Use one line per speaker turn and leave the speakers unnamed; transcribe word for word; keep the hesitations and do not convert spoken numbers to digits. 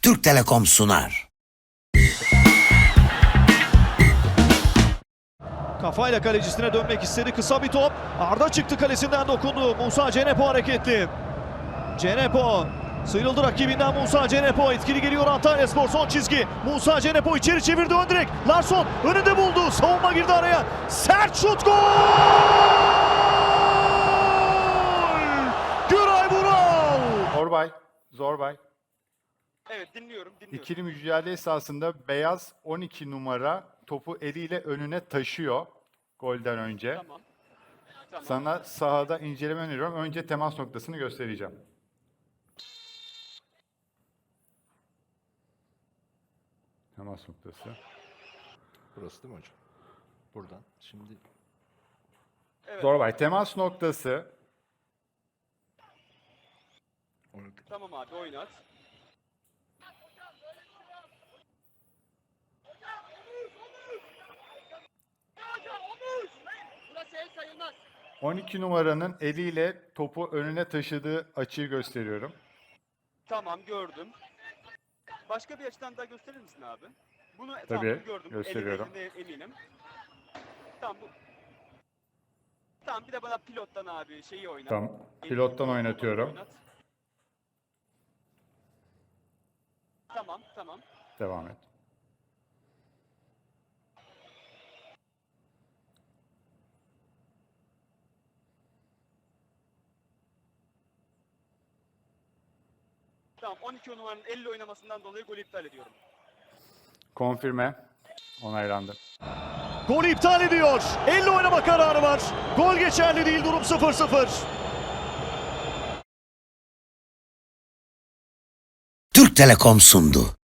Türk Telekom sunar.
Kafayla kalecisine dönmek istedi. Kısa bir top. Arda çıktı, kalesinden dokundu. Musa Cenepo hareketli. Cenepo sıyrıldı rakibinden. Musa Cenepo etkili geliyor. Antalyaspor son çizgi. Musa Cenepo içeri çevirdi, ön direk. Larsson önünde buldu. Savunma girdi araya. Sert şut, gol! Güray Vural.
Zorbay, Zorbay.
Evet, dinliyorum, dinliyorum.
İkili mücadele esasında beyaz on iki numara topu eliyle önüne taşıyor golden önce.
Tamam. Tamam.
Sana sahada inceleme öneriyorum. Önce temas noktasını göstereceğim. Temas noktası.
Burası değil mi hocam? Buradan. Şimdi
Evet,
Zorbay, temas noktası.
oynadık.
tamam abi, oynat.
on iki numaranın eliyle topu önüne taşıdığı açıyı gösteriyorum.
Tamam, gördüm. Başka bir açıdan daha gösterir misin abi? Bunu tamam,
Tabii,
bunu gördüm.
gösteriyorum.
Elimde eminim. Tamam bu. Tamam, bir de bana pilottan abi şeyi oynat.
Tamam,
Elini
pilottan
oynat,
oynatıyorum.
oynat. Tamam, tamam.
Devam et.
Tamam, on iki numaranın elle oynamasından dolayı golü iptal ediyorum.
Konfirme. Onaylandı.
Golü iptal ediyor. Elle oynama kararı var. Gol geçerli değil, durum sıfır sıfır.
Türk Telekom sundu.